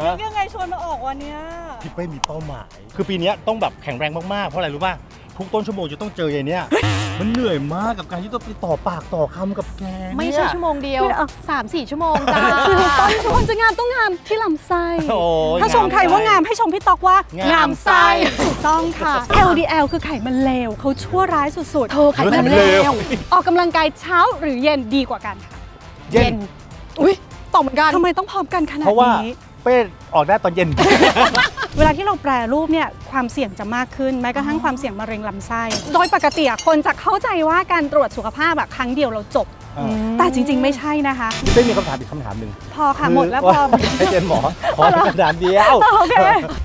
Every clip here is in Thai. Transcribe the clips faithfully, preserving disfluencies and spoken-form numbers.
นึกยังไงชวนมาออกวันเนี้ยพี่เป้มีเป้าหมายคือปีนี้ต้องแบบแข็งแรงมากๆเพราะอะไรรู้ป่ะทุกต้นชั่วโมงจะต้องเจออย่างเนี้ยมันเหนื่อยมากกับการที่ต้องไปต่อปากต่อคำกับแกไม่ใช่ชั่วโมงเดียวสามสี่ชั่วโมงจ้าคือต้นชวนจะงามต้องงามที่ลำไส้ถ้าชมใครว่างามให้ชมพี่ตอกว่างามไส้ถูกต้องค่ะ แอล ดี แอล คือไขมันเลวเขาชั่วร้ายสุดๆเธอไขมันเลวออกกำลังกายเช้าหรือเย็นดีกว่ากันค่ะเย็นอุ้ยตอบเหมือนกันทำไมต้องพร้อมกันขนาดนี้เพราะว่าเป้ออกได้ตอนเย็นเวลาที่เราแปรรูปเนี่ยความเสี่ยงจะมากขึ้นแม้กระทั่งความเสี่ยงมะเร็งลำไส้โดยปกติคนจะเข้าใจว่าการตรวจสุขภาพแบบครั้งเดียวเราจบแต่จริงๆไม่ใช่นะคะเป้มีคำถามอีกคำถามหนึ่งพอค่ะหมดแล้วพอให้เจนหมอขอคำถามเดียวโอเค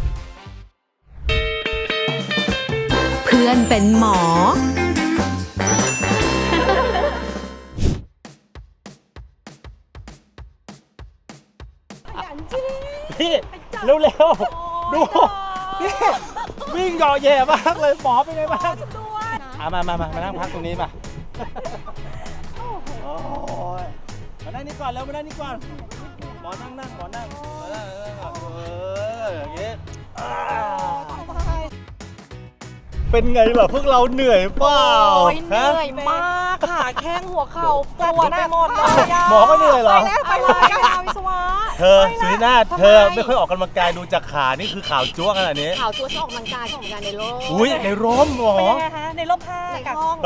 เพื่อนเป็นหมอพี่เร็วๆดูนี่วิ่งเหยาะแย่มากเลยหมอเป็นไงบ้างอ่ะมามามามานั่งพักตรงนี้มาโอ้ยมานั่งนี่ก่อนแล้วมานั่งนี่ก่อนหมอนั่งนั่งหมอนั่งหมอนั่งเอออย่างงี้เป็นไงล่ะพวกเราเหนื่อยเปล่าเหนื่อยมากขาแข้งหัวเข่าปวดไปหมดเลยหมอก็เหนื่อยเหรอไปเลยค่ะวิศวะเธอสุนินาถเธอไม่ค่อยออกกำลังกายดูจากขานี่คือข่าวจั๊วขนาดนี้ข่าวจั๊วชอบออกกำลังกายชอบออกกำลังกายในร่มอุ้ยในร่มหรอเป็นยังไงคะในร่มผ้าในห้อง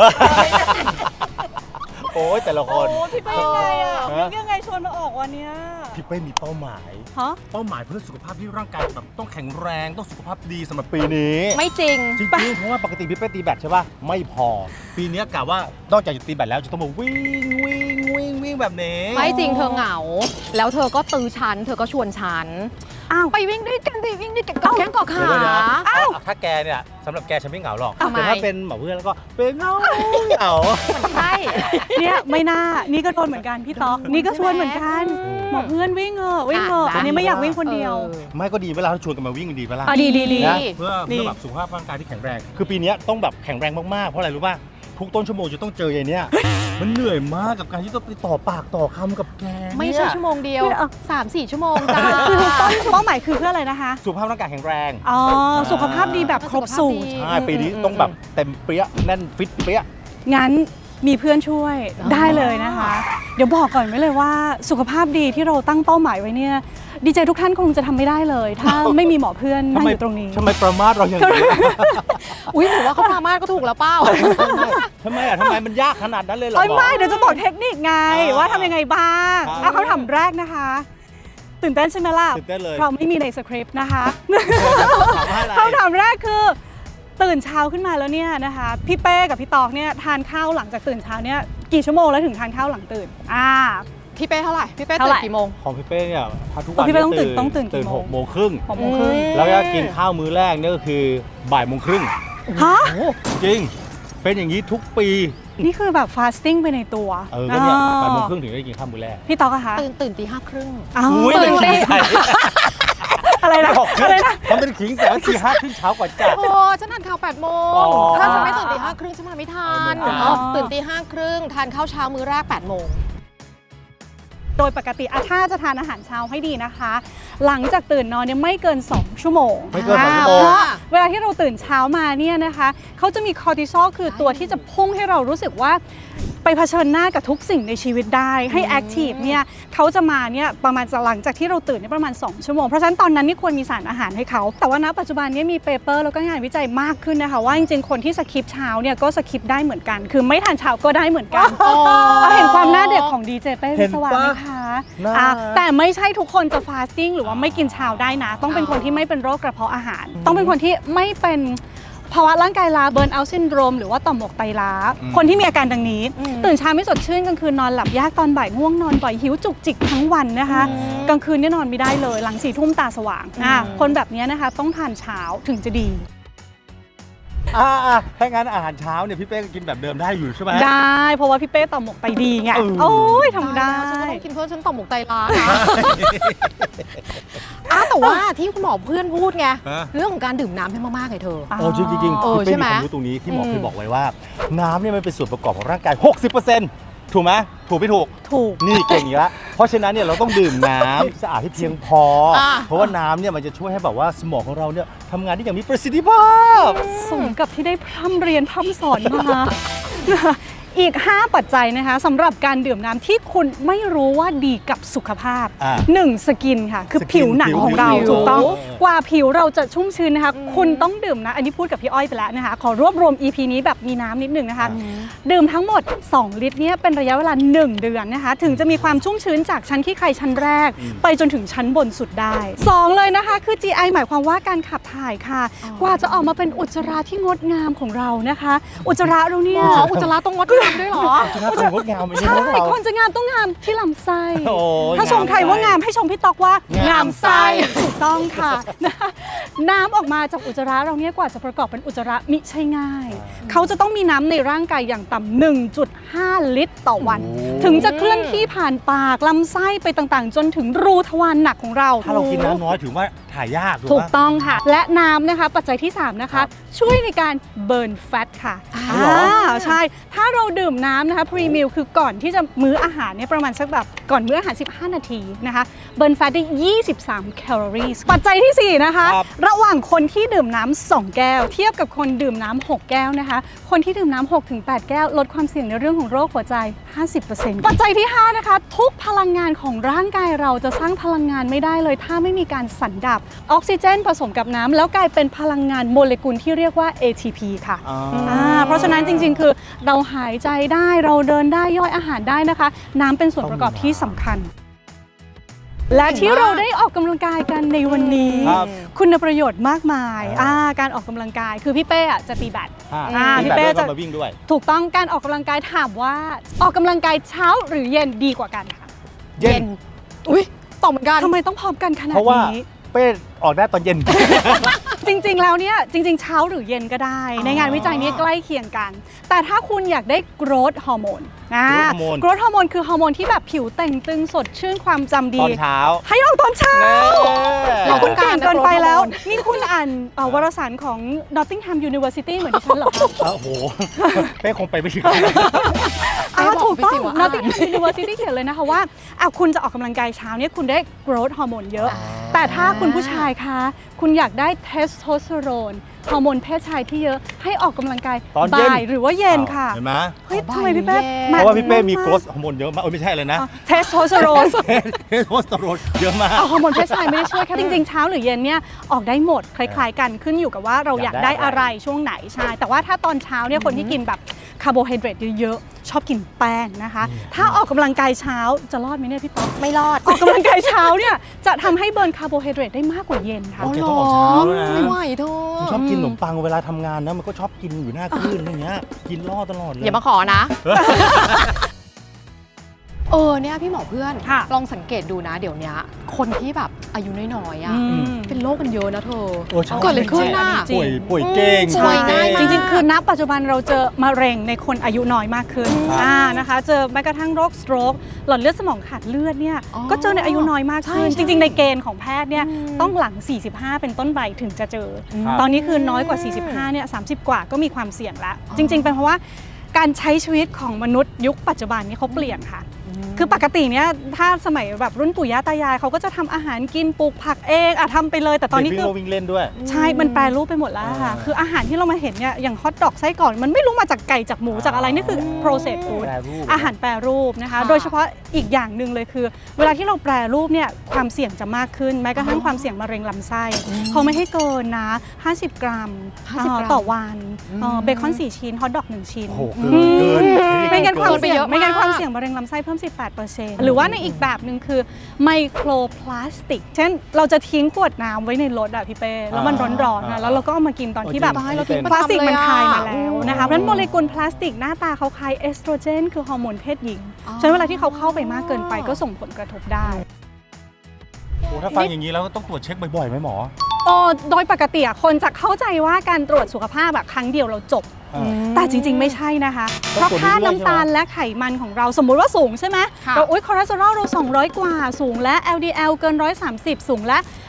โอ้ยแต่ละคนโอ้พี่เป้ยังไงอ่ะนึกยังไงชวนมาออกวันเนี้ยพี่เป้มีเป้าหมายฮะเป้าหมายเพื่อสุขภาพที่ร่างกายแบบต้องแข็งแรงต้องสุขภาพดีสำหรับปีนี้ไม่จริงจริงๆเพราะว่าปกติพี่เป้ตีแบดใช่ป่ะไม่พอปีนี้กะว่านอกจากจะตีแบดแล้วจะต้องมาวิ่งวิ่งวิ่งวิ่งแบบนี้ไม่จริงเธอเหงาแล้วเธอก็ตื้อฉันเธอก็ชวนฉันอ้าวไปวิ่งด้วยกันดิวิ่งด้วยกันก็แข้งก็ขาอ้าวถ้าแกเนี่ยสำหรับแกฉันไม่เหงาหรอกแต่ถ้าเป็นหมอเพื่อนแล้วก็เป็นเหงาเหงาใช่เนี่ยไม่น่านี่ก็โดนเหมือนกันพี่ต๊อกนี่ก็ชวนเหมือนกันหมอเพื่อนวิ่งเออวิ่งเอออันนี้ไม่อยากวิ่งคนเดียวไม่ก็ดีเวลาเราชวนกันมาวิ่งดีเวลาดีดีดีเพื่อเพื่อแบบสุขภาพร่างกายที่แข็งแรงคือปีนี้ต้องแบบแข็งแรงมากๆเพราะอะไรรู้ป่ะทุกต้นชั่วโมงจะต้องเจออย่างเนี้ยมันเหนื่อยมากกับการที่ต้องไปต่อปากต่อคำกับแกไม่ใช่ชั่วโมงเดียวสามสี่ชั่วโมงจ้าคือต้นเป้าหมายคือเพื่ออะไรนะคะสุขภาพร่างกายแข็งแรงอ๋อสุขภาพดีแบบครบสูตรใช่ปีนี้ต้องแบบเต็มเปี้ยแน่นฟิตเปี้ยงั้นมีเพื่อนช่วยได้เลยนะคะเดี๋ยวบอกก่อนไว้เลยว่าสุขภาพดีที่เราตั้งเป้าหมายไว้เนี่ยดีเจทุกท่านคงจะทำไม่ได้เลยถ้าไม่มีหมอเพื่อนนั่งอยู่ตรงนี้ทำไมประมาทเราอย่างนี้อุ้ยถือว่าเขาประมาทก็ถูกแล้วเป้าทำไมอ่ะทำไมมันยากขนาดนั้นเลยเหรอไม่เดี๋ยวจะบอกเทคนิคไงว่าทำยังไงบ้างเอาคำถามแรกนะคะตื่นเต้นใช่ไหมล่ะตื่นเต้นเลยเพราะไม่มีในสคริปต์นะคะคำถามแรกคือตื่นเช้าขึ้นมาแล้วเนี่ยนะคะพี่เป้กับพี่ตอกเนี่ยทานข้าวหลังจากตื่นเช้าเนี่ยกี่ชั่วโมงแล้วถึงทานข้าวหลังตื่นอ่าพี่เป้เท่าไหร่พี่เป้ตื่นกี่โมงของพี่เป้เนี่ยทุกวันพี่เป้ต้องตื่นต้องตื่นตื่นหกโมงครึ่งหกโมงครึ่งแล้วก็กินข้าวมื้อแรกเนี่ยก็คือบ่ายโมงครึ่งฮะจริงเป็นอย่างนี้ทุกปีนี่คือแบบฟาสติ้งไปในตัวเออก็เนี่ยบ่ายโมงครึ่งถึงได้กินข้าวมื้อแรกพี่ตอกอะคะตื่นตื่นตีห้าครึ่งตื่นตีอะไรนะอะไรนะมันเป็นขิงแต่ว่าตีห้าครึ่งเช้ากว่าจ้ะโอ้ฉันทานข้าวแปดโมงถ้าฉันไม่ตื่นตีห้าครึ่งฉันมาไม่ทันตื่นตีห้าครึ่งทานข้าวเช้ามื้อแรกแปดโมงโดยปกติถ้าจะทานอาหารเช้าให้ดีนะคะหลังจากตื่นนอนเนี่ยไม่เกินสองชั่วโมงไม่เกินสองชั่วโมงเพราะเวลาที่เราตื่นเช้ามาเนี่ยนะคะเขาจะมีคอร์ติซอลคือตัวที่จะพุ่งให้เรารู้สึกว่าไปเผชิญหน้ากับทุกสิ่งในชีวิตได้ให้แอคทีฟเนี่ยเขาจะมาเนี่ยประมาณหลังจากที่เราตื่นเนี่ยประมาณสองชั่วโมงเพราะฉะนั้นตอนนั้นนี่ควรมีสารอาหารให้เขาแต่ว่าณปัจจุบันนี้มีเปเปอร์แล้วก็งานวิจัยมากขึ้นนะคะว่าจริงๆคนที่สคิปเช้าเนี่ยก็สคิปได้เหมือนกันคือไม่ทานเช้าก็ได้เหมือนกันเราเห็นความหน้าเด็กของดีเจเป้วิศวะไหมคะแต่ไม่ใช่ทุกคนจะฟาสติ้งหรือว่าไม่กินเช้าได้นะต้องเป็นคนที่ไม่เป็นโรคกระเพาะอาหารต้องเป็นคนที่ไม่เป็นภาวะร่างกายล้าเบิร์นเอาท์ซินโดรมหรือว่าต่อมหมวกไตล้าคนที่มีอาการดังนี้ตื่นเช้าไม่สดชื่นกลางคืนนอนหลับยากตอนบ่ายง่วงนอนบ่อยหิวจุกจิกทั้งวันนะคะกลางคืนนี่นอนไม่ได้เลยหลังสี่ทุ่มตาสว่างนะคนแบบนี้นะคะต้องทานเช้าถึงจะดีอ่าถ้างั้นอาหารเช้าเนี่ยพี่เป้ก็กินแบบเดิมได้อยู่ใช่ไหมได้เพราะว่าพี่เป้ต่อมหมวกไตดีไงโอ้ยทำได้ฉันต้องกินเพื่อฉันต่อมหมวกไตล้าอ้าแต่ว่าที่คุณหมอเพื่อนพูดไงเรื่องของการดื่มน้ำให้มากๆไงเธอโอ้จริงจริงพี่เป้มีความรู้ตรงนี้ที่หมอเคยบอกไว้ว่าน้ำเนี่ยมันเป็นส่วนประกอบของร่างกาย หกสิบเปอร์เซ็นต์ ถูกไหมถูกไม่ถูกถูกนี่เก่งอีกแล้วเพราะฉะนั้นเนี่ยเราต้องดื่มน้ำ สะอาดให้เพียงพออ่ะเพราะว่าน้ำเนี่ยมันจะช่วยให้แบบว่าสมองของเราเนี่ยทำงานได้อย่างมีประสิทธิภาพสมกับที่ได้พร่ำเรียนพร่ำสอนมา อีก ห้า ปัจจัยนะคะสำหรับการดื่มน้ำที่คุณไม่รู้ว่าดีกับสุขภาพอ่าหนึ่งสกินค่ะ คือสกินผิวหนังของเราผิวถูกต้องเออกว่าผิวเราจะชุ่มชื้นนะคะ คุณต้องดื่มนะ อันนี้พูดกับพี่อ้อยไปแล้วนะคะ ขอรวบรวม อี พี นี้แบบมีน้ำนิดหนึ่งนะคะ ดื่มทั้งหมด สอง ลิตรเนี่ยเป็นระยะเวลา หนึ่ง เดือนนะคะ ถึงจะมีความชุ่มชื้นจากชั้นขี้ใครชั้นแรก ไปจนถึงชั้นบนสุดได้สองเลยนะคะ คือ จี ไอ หมายความว่าการขับถ่ายค่ะ กว่าจะออกมาเป็นอุจจาระที่งดงามของเรานะคะ อุจจาระเราเนี่ยอ๋ออุจจาระต้องงดงามด้วยเหรอจะน่าเป็นงดงามไหมเนี่ยใช่พวกเราคนจะงามต้องงามที่ลำไส้โอ้ยถ้าชมใครว่างามให้ชมพี่ตอกว่างางาม มไส้ไส้ถูกต้องค่ะ นะคะน้ำออกมาจากอุจจาระเราเนี่ยกว่าจะประกอบเป็นอุจจาระมิใช่ง่าย เขาจะต้องมีน้ำในร่างกายอย่างต่ำ หนึ่งจุดห้า ลิตรต่อวัน ถึงจะเคลื่อนที่ผ่านปากลำไส้ไปต่างๆ จนถึงรูทวารหนักของเราถ้าเรากินน้ำน้อยถือว่าถ่ายยากถูกกปะต้องค่ะ และน้ำนะคะ ปัจจัยที่ สาม นะคะ ช่วยในการเบิร์นแฟตค่ะอ๋อเหรออ่าใช่ ถ้าเราดื่มน้ำนะคะพรีมิลคือก่อนที่จะมื้ออาหารเนี่ยประมาณสักแบบก่อนมื้ออาหาร สิบห้า นาทีนะคะเบิร์นแฟตได้ ยี่สิบสาม แคลอรี่ปัจจัยที่ สี่ นะคะครับระหว่างคนที่ดื่มน้ำสองแก้ว เทียบกับคนดื่มน้ำหกแก้วนะคะ คนที่ดื่มน้ำหกถึงแปดแก้ว ลดความเสี่ยงในเรื่องของโรคหัวใจ ห้าสิบเปอร์เซ็นต์ ปัจจัยที่ ห้า นะคะ ทุกพลังงานของร่างกายเราจะสร้างพลังงานไม่ได้เลย ถ้าไม่มีการสันดับออกซิเจนผสมกับน้ำแล้วกลายเป็นพลังงานโมเลกุลที่เรียกว่า เอ ที พี ค่ะอ๋ออ่าเพราะฉะนั้นจริงๆ คือเราหายใจได้เราเดินได้ย่อยอาหารได้นะคะ น้ำเป็นส่วนประกอบที่สำคัญ และที่เราได้ออกกำลังกายกันในวันนี้ครับคุณประโยชน์มากมายอ่าอ่าการออกกำลังกายคือพี่เป้อะจะตีแบดอ่าอ่าพี่พี่เป้เป้จะจะมาวิ่งด้วยถูกต้องการออกกำลังกายถามว่าออกกำลังกายเช้าหรือเย็นดีกว่ากันคะเย็นอุ้ยตอบเหมือนกันทำไมต้องพร้อมกันขนาดเพราะว่านี้เป้ออกได้ตอนเย็นจริงๆ แล้วเนี่ยจริงๆ เช้าหรือเย็นก็ได้อ๋อในงานวิจัยนี้ใกล้เคียงกัน แต่ถ้าคุณอยากได้ growth hormone นะ growth hormone growth hormone คือฮอร์โมนที่แบบผิวแต่งตึงสดชื่นความจำดีตอนเช้าให้ออกตอนเช้าเราคุณเก่งเกินไปแล้ว growth hormone นี่คุณอ่านเอ่อวารสารของ Nottingham University เหมือนดิฉันเหรอคะโอ้โห เป้คงไปไม่ถึงอ้าวบอกถูกต้องไปสิว่า Nottingham University เขียนเลยนะคะว่าอ่ะคุณจะออกกำลังกายเช้าเนี่ยคุณได้ growth hormone เยอะอ่าแต่ถ้าคุณผู้ชายคะคุณอยากได้เทสโทสเตอโรนฮอร์โมนเพศชายที่เยอะให้ออกกำลังกายตอนเย็นบ่ายหรือว่าเย็นค่ะเห็นไหมเฮ้ยอ๋อทำไมพี่เป้บ่ายเย็นเพราะว่าพี่เป้มีโกรทฮอร์โมนเยอะมากเออไม่ใช่เลยนะเทสโทสเตอโรนเทสโทสเตอโรนเยอะมากเอาฮอร์โมนเพศชายไม่ได้ช่วยแค่จริงๆเช้าหรือเย็นเนี่ยออกได้หมดคล้ายๆกันขึ้นอยู่กับว่าเราอยากอยากได้ได้อะไรช่วงไหนใช่แต่ว่าถ้าตอนเช้าเนี่ยคนที่กินแบบคาร์โบไฮเดรตเยอะๆชอบกินแป้งนะคะ ถ้าออกกำลังกายเช้าจะรอดไหมเนี่ยพี่ป๊อกไม่รอดออกกำลังกายเช้าเนี่ยจะทำให้เบิร์นคาร์โบไฮเดรตได้มากกว่าเย็นค่ะโอเคต้องออกเช้าด้วยนะไม่ไหวเธอผมชอบกินขนมปังเวลาทำงานนะมันก็ชอบกินอยู่หน้าคลื่นอะไรเงี้ยกินล่อตลอดเลยอย่ามาขอนะ เออเนี่ยพี่หมอเพื่อนค่ะลองสังเกตดูนะ เดี๋ยวนี้คนที่แบบอายุน้อยๆอ่ะอืมเป็นโรคกันเยอะนะเธอโอ้ใช่เกิดอะไรขึ้นน่ะจริงป่วยป่วยเก่งป่วยง่ายจมากริงๆ คือณปัจจุบันเราเจอมะเร็งในคนอายุน้อยมากขึ้นครับอ่านะคะ เจอแม้กระทั่งโรคสโตรกหลอดเลือดสมองขาดเลือดเนี่ยอ๋อก็เจอในอายุน้อยมากขึ้นใช่จริง ๆ ในเกณฑ์ของแพทย์เนี่ยอืมต้องหลัง สี่สิบห้า เป็นต้นไปถึงจะเจอครับตอนนี้คือน้อยกว่า สี่สิบห้า เนี่ย สามสิบ กว่าก็มีความเสี่ยงแล้ว จริง ๆ เป็นเพราะว่าการใช้ชีวิตของมนุษย์ยุคปัจจุบันนี้เขาเปลี่ยนค่ะ คือปกติเนี่ยถ้าสมัยแบบรุ่นปู่ย่าตายายเขาก็จะทำอาหารกินปลูกผักเองอะทำไปเลย แต่ตอนนี้เด็กคือวิ่งวิ่งเล่นด้วยใช่ มันแปรรูปไปหมดแล้วค่ะอ่าคืออาหารที่เรามาเห็นเนี่ย อย่างฮอทดอกไส้กรอกมันไม่รู้มาจากไก่จากหมูจากอะไร นี่คือ processed food แปรรูปอาหารแปรรูปนะคะค่ะโดยเฉพาะอีกอย่างหนึ่งเลยคือ เวลาที่เราแปรรูปเนี่ยความเสี่ยงจะมากขึ้น แม้กระทั่งความเสี่ยงมะเร็งลำไส้ เขาไม่ให้เกินนะ ห้าสิบ กรัมห้าสิบเอ่อกรัมต่อวันเอ่อเบคอนสี่ชิ้นฮอทดอกหนึ่งชิ้นโอ้โหเกินเกินไม่งั้นความเกินไปเสี่ยงเยอะมากไม่งั้นความเสี่ยงมะเร็งลำไส้เพิ่ม สิบแปดเปอร์เซ็นต์ หรือว่าในอีกแบบหนึ่งคือไมโครพลาสติก เช่นเราจะทิ้งขวดน้ำไว้ในรถอะพี่เป้แล้วมันร้อนๆอ่านะแล้วเราก็เอามากินตอนที่แบบจริงเราทิ้งพลาสติกมันคายมาเลยอะแล้วนะคะเพราะฉะนั้นโมเลกุลพลาสติกหน้าตาเขาคล้ายเอสโตรเจนคือฮอร์โมนเพศหญิงอ๋อฉะนั้นเวลาที่เขาเข้าไปมากเกินไปก็ส่งผลกระทบได้โอ้ถ้าฟังอย่างนี้แล้วต้องตรวจเช็คบ่อยๆไหมหมอโอ้โดยปกติอะคนจะเข้าใจว่าการตรวจสุขภาพแบบครั้งเดียวเราจบอ่าแต่จริงๆ ไม่ใช่นะคะ เพต้องราะตรวจค่าเรื่อยๆน้ำตาลและไขมันของเราสมมุติว่าสูงใช่ไหมค่ะเราอุ๊ยคอเลสเตอรอลเราสองร้อยกว่าสูงและ แอล ดี แอล เกินหนึ่งร้อยสามสิบสูงและ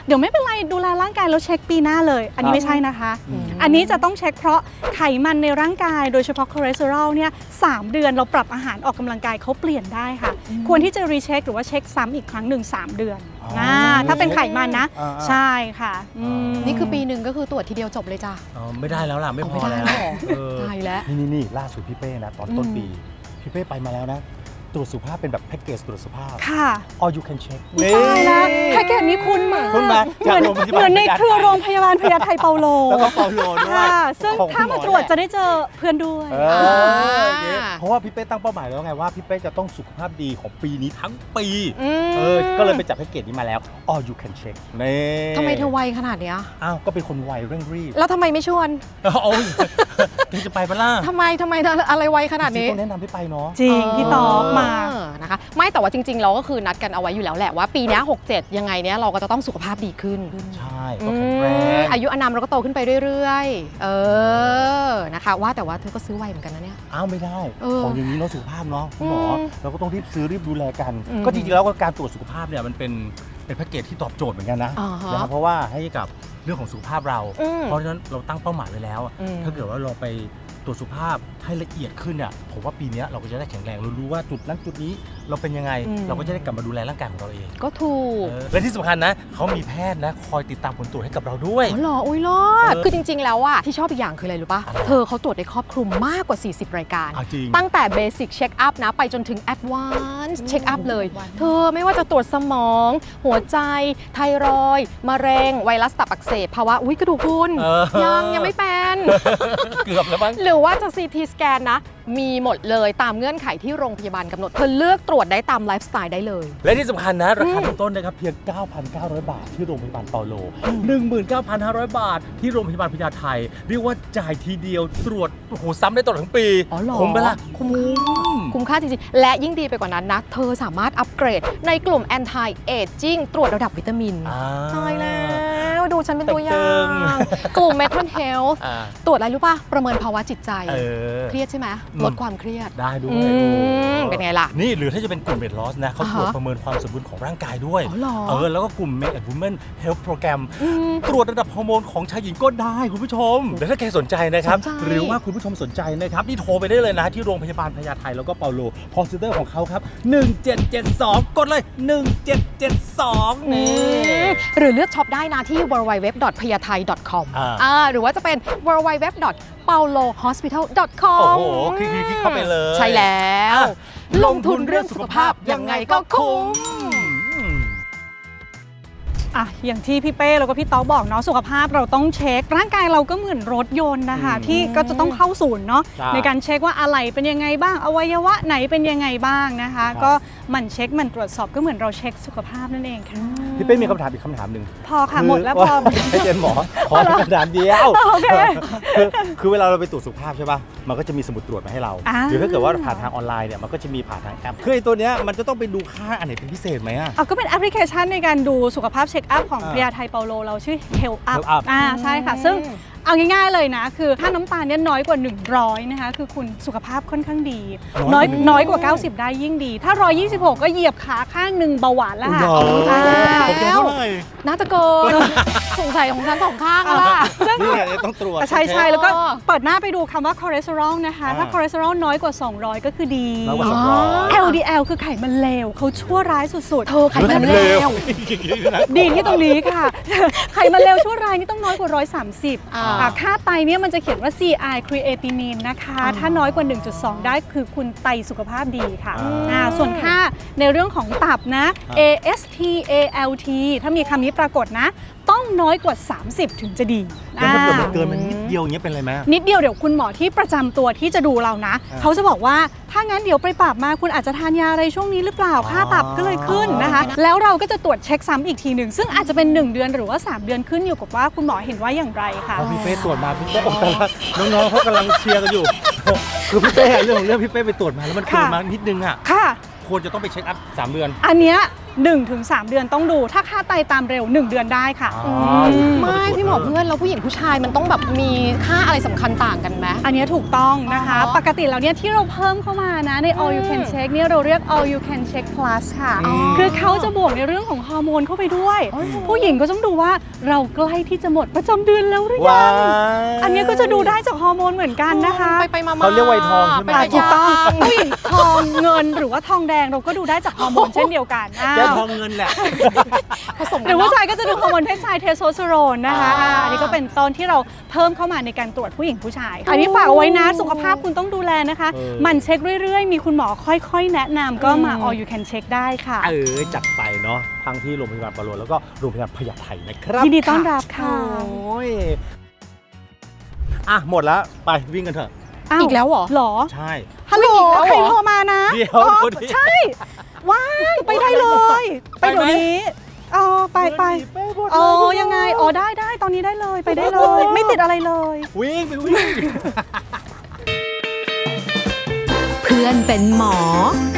เดี๋ยวไม่เป็นไรดูแลร่างกายแล้วเช็คปีหน้าเลยอันนี้ไม่ใช่นะคะอืมอันนี้จะต้องเช็คเพราะไขมันในร่างกายโดยเฉพาะคอเลสเตอรอลเนี่ยสามเดือนเราปรับอาหารออกกำลังกายเขาเปลี่ยนได้ค่ะ ควรที่จะรีเช็คหรือว่าเช็คซ้ำอีกครั้งหนึ่งสามเดือนอ๋อนะถ้าเป็นไขมันนะอ่าๆใช่ค่ะอืมนี่คือปีหนึ่งก็คือตรวจทีเดียวจบเลยจ้ะอ๋อไม่ได้แล้วล่ะไม่พอไม่ได้แล้วหรอเออตายแล้วนี่นี่นี่ล่าสุดพี่เป้นะตอนต้นอืมปีพี่เป้ไปมาแล้วนะตรวจสุขภาพเป็นแบบแพ็กเกจตรวจสุขภาพค่ะ all you can check ตายแล้วแพ็กเกจนี้คุ้นมากคุ้นไหมเหมือนจากโรงพยาบาลเหมือนในเครือโรงพยาบาลพญาไทเปาโลแล้วก็เปาโลด้วยค่ะซึ่งของถ้าคุณหมาตรวจแหลจะได้เจอเพื่อนด้วยเอออย่างงี้เพราะว่าพี่เป้ตั้งเป้าหมายแล้วไงว่าพี่เป้จะต้องสุขภาพดีของปีนี้ทั้งปีมเออก็เลยไปจับแพ็กเกจนี้มาแล้ว all you can check นี่ทำไมเธอไวขนาดเนี้ยอ้าวก็เป็นคนไวเร่งรีบแล้วทำไมไม่ชวนโอ้ยเธอจะไปปะล่ะทำไมทำไมอะไรไวขนาดจริงนี้ๆต้องแนะนำให้ไปเนาะจริงพี่ต๊อกมาเออนะคะไม่แต่ว่าจริงๆ เราก็คือนัดกันเอาไว้อยู่แล้วแหละว่าปีเนี้หกเจ็ดยังไงเนี้ยเราก็จะต้องสุขภาพดีขึ้นใช่อืก็แข็งแรงมอายุอานามเราก็โตขึ้นไปเรื่อยๆ เออนะคะว่าแต่ว่าเธอก็ซื้อไวเหมือนกันนะเนี่ยอ้าวไม่ได้เออของอย่างนี้เนาะสุขภาพเนาะคุณหมออมเราก็ต้องรีบซื้อรีบดูแลกันอืมก็จริงๆแล้วก็การตรวจสุขภาพเนี่ยมันเป็นเป็นแพ็กเกจที่ตอบโจทย์เหมือนกันนะอ่าฮะนะครับเพราะว่าให้กับเรื่องของสุขภาพเราอืมเพราะฉะนั้นเราตั้งเป้าหมายไว้แล้วอะอืมถ้าเกิดว่าเราไปตรวจสุขภาพให้ละเอียดขึ้นเนี่ยผมว่าปีเนี้ยเราก็จะได้แข็งแรงเรารู้ว่าจุดนั้นจุดนี้เราเป็นยังไงอืมเราก็จะได้กลับมาดูแลร่างกายของเราเองก็ถูกเออและที่สำคัญนะเขามีแพทย์นะคอยติดตามผลตรวจให้กับเราด้วยอ๋อเหรออุ้ยรอดเออคือจริง ๆ แล้วอะที่ชอบอีกอย่างคืออะไรรู้ป่ะอะไรเธอเขาตรวจได้ครอบคลุมมากกว่า สี่สิบ รายการเอาจริงตั้งแต่เบสิกเช็คอัพนะ ไปจนถึงแอดวานซ์เช็คอัพเลย เธอไม่ว่าจะตรวจสมอง หัวใจ ไทรอยด์มะเร็ง ไวรัสตับอักเสบภาวะอุ้ยกระดูกพรุนเออยังยังไม่เป็นเกือบแล้วมั้งหรือว่าจะ ซี ที สแกนนะ มีหมดเลยตามเงื่อนไขที่โรงพยาบาลกำหนด เธอเลือกตรวจได้ตามไลฟ์สไตล์ได้เลยและที่สำคัญนะ ราคาอืมเริ่มต้นนะครับเพียง เก้าพันเก้าร้อย บาท ที่โรงพยาบาลเปาโล หนึ่งหมื่นเก้าพันห้าร้อย บาท ที่โรงพยาบาลพญาไทเรียกว่าจ่ายทีเดียวตรวจโอ้โหซ้ำได้ตลอดทั้งปีอ๋อเหรอคุ้มไหมล่ะคุ้มค่า คุ้มค่าจริงๆ และยิ่งดีไปกว่านั้นนะ เธอสามารถอัปเกรดในกลุ่ม anti aging ตรวจระดับวิตามินอ่าตายแล้วดูฉันเป็นตัวอย่าตึงงกลุ่ม mental health อ่าตรวจอะไรรู้ป่ะ ประเมินภาวะจิตใจเออเครียดใช่ไหมอืมลดความเครียดได้ด้วอืยมเป็นไงล่ะนี่หรือถ้าจะเป็นกลุ่มเวทลอสนะเขาตรวจอ่าฮะประเมินความสมดุลของร่างกายด้วยอ๋อเหรอเออแล้วก็กลุ่ม Men and Women Health Program อืมตรวจระดับฮอร์โมนของชายหญิงก็ได้คุณผู้ชมแต่ถ้าใครสนใจนะครับสนใจหรือว่าคุณผู้ชมสนใจนะครับ นี่โทรไปได้เลยนะ ที่โรงพยาบาลพญาไทแล้วก็เปาโลพอซิเตอร์ของเขาครับ หนึ่งเจ็ดเจ็ดสอง กดเลย หนึ่งเจ็ดเจ็ดสอง นี่หรือเลือกช็อปได้นะที่ ดับเบิลยู ดับเบิลยู ดับเบิลยู ดอท พยาไท ดอท คอมอ่าอ่าหรือว่าจะเป็น ดับเบิลยู ดับเบิลยู ดับเบิลยู ดอท เปาโล ฮอสพิทอล ดอท คอมโอ้โหคลิกๆๆเข้าไปเลยใช่แล้วอ่ะลงทุนเรื่องสุขภาพยังไงก็คุ้มอืมอ่ะอย่างที่พี่เป้แล้วก็พี่ต๊อกบอกเนาะสุขภาพเราต้องเช็คร่างกายเราก็เหมือนรถยนต์นะคะอืมที่ก็จะต้องเข้าศูนย์เนาะใช่ในการเช็คว่าอะไรเป็นยังไงบ้างอวัยวะไหนเป็นยังไงบ้างนะคะครับก็หมันเช็คหมันตรวจสอบก็เหมือนเราเช็คสุขภาพนั่นเองค่ะพี่เป้มีคำถามอีกคำถามหนึ่งพอค่ะหมดแล้วพอให้เป็นหมอขอคำถามเดียวโอเคคือคือเวลาเราไปตรวจสุขภาพใช่ป่ะ มันก็จะมีสมุดตรวจมาให้เราอ่าหรือถ้าเกิดว่าผ่านทางออนไลน์เนี่ยมันก็จะมีผ่านทางแอปคือไอ้ตัวเนี้ยมันจะต้องไปดูค่าอันไหนเป็นพิเศษไหมอ่ะเอาก็เป็นแอปพลิเคชันในการดูสุขภาพเช็คอัพของอ่าพญาไทเปาโลเราชื่อ Health Up Health Up อ่าใช่ค่ะ ซึ่งเอาง่ายๆเลยนะ คือถ้าน้ำตาลเนี่ยน้อยกว่า หนึ่งร้อย นะคะ คือคุณสุขภาพค่อนข้างดีน้น้ออย ยกว่าน้อยกว่า เก้าสิบ ได้ยิ่งดี ถ้า หนึ่งร้อยยี่สิบหก ก็เหยียบขาข้างหนึ่งเบาหวานแล้วค่ะเหรออ่าของแกเท่าไหร่น่าจะเกิน สงสัยของฉันสองข้างอะล่ะนี่ไงต้องตรวจใช่ใช่แล้วก็อ๋อเปิดหน้าไปดูคำว่าคอเลสเตอรอลนะคะอ่าถ้าคอเลสเตอรอลน้อยกว่า สองร้อย ก็คือดีน้อยกว่าสองร้อยแอล ดี แอล คือไขมันเลวเขาชั่วร้ายสุดๆเธอไขมันเลวดีที่ตรงนี้ค่ะ ไขมันเลวชั่วร้ายนี่ต้องน้อยกว่า หนึ่งร้อยสามสิบอ่าอ่าค่าไตเนี่ยมันจะเขียนว่า ซี ไอ creatinine นะคะอ่าถ้าน้อยกว่า หนึ่งจุดสอง ได้คือคุณไตสุขภาพดีค่ะอ่าอ่าส่วนค่าในเรื่องของตับนะอ่าเอ เอส ที เอ แอล ที ถ้ามีคำนี้ปรากฏนะ ต้องน้อยกว่า สามสิบ ถึงจะดีแล้วถ้าเกิดมันอ่าเกินมันนิดเดียวอย่างเงี้ยเป็นไรไหมนิดเดียวเดี๋ยวคุณหมอที่ประจำตัวที่จะดูเรานะอ่าเขาจะบอกว่าถ้างั้นเดี๋ยวไปปรับมาคุณอาจจะทานยาอะไรช่วงนี้หรือเปล่า ค่าตับก็เลยขึ้นนะคะ แล้วเราก็จะตรวจเช็คซ้ำอีกทีหนึ่งซึ่งอาจจะเป็น หนึ่ง เดือนหรือว่า สาม เดือนขึ้นอยู่กับว่าคุณหมอเห็นว่าอย่างไรค่ะพอพี่เป้ตรวจมาพี่เป้บอกแต่ละน้องๆเขากำลังเชียร์กันอยู่ คือพี่เป้เรื่องของเรื่องพี่เป้ไปตรวจมาแล้วมันเกินค่ะมานิดนึงอ่ะค่ะควรจะต้องไปเช็คอัพสามเดือนอันเนี้ยหนึ่งถึงสาม เดือนต้องดู ถ้าค่าไตตามเร็ว หนึ่ง เดือนได้ค่ะอ๋อมไม่พี่หมอเพื่อนแล้วผู้หญิงผู้ชายมันต้องแบบมีค่าอะไรสำคัญต่างกันไหมอันนี้ถูกต้องนะคะอ๋อปกติแล้วเนี่ยที่เราเพิ่มเข้ามานะใน all you can check เนี่ยเราเรียก all you can check plus ค่ะอ๋อคือเขาจะบวกในเรื่องของฮอร์โมนเข้าไปด้วย ผู้หญิงก็ต้องดูว่าเราใกล้ที่จะหมดประจำเดือนแล้วหรือยัว้าง ยอันนี้ก็จะดูได้จากฮอร์โมนเหมือนกันนะคะไปไปมาๆเขาเรียกวัยทองใช่ไหมเป็นอ่าระยะถูกต้องผู้หญิงทองเงินหรือว่าทองแดงเราก็ดูได้จากฮอร์โมนเช่นเดียวกันอ้าแก้วทองเงินแหละผสมหกัรืนอเนาะผู้ชายก็จะดูฮอร์โมนเพศชายเทสโทสเตอโรนนะคะอ่าอ่าอันนี้ก็เป็นต้นที่เราเพิ่มเข้ามาในการตรวจผู้หญิงผู้ชาย อันนี้ฝากเอาไว้นะสุขภาพคุณต้องดูแลนะคะหมันเช็คเรื่อยๆ มีคุณหมอค่อยๆ แนะนำก็มา all you can check ได้ค่ะเออจัดไปเนาะทั้งที่โรงพยาบาลปะโลแล้วก็โรงพยาบาลพญาไทนะครับยินดีต้อนรับค่ะโอ้ยอ่ะหมดแล้วไปวิ่งกันเถอะาวอีกแล้วเหรอหรอใช่ฮัลโหลอีกแล้วเหรอใครโทรมานะเดี๋ยวอ๋อคนนี้ใช่ ว่างไปได้เลย ไปไปไหมเดี๋ยวนี้อ๋อไปไปไปหมดเลยอ๋อยังไงอ๋อได้ได้ตอนนี้ได้เลยไปได้เลย ไม่ติดอะไรเลยวิ่งไปวิ่งเพื่อนเป็นหมอ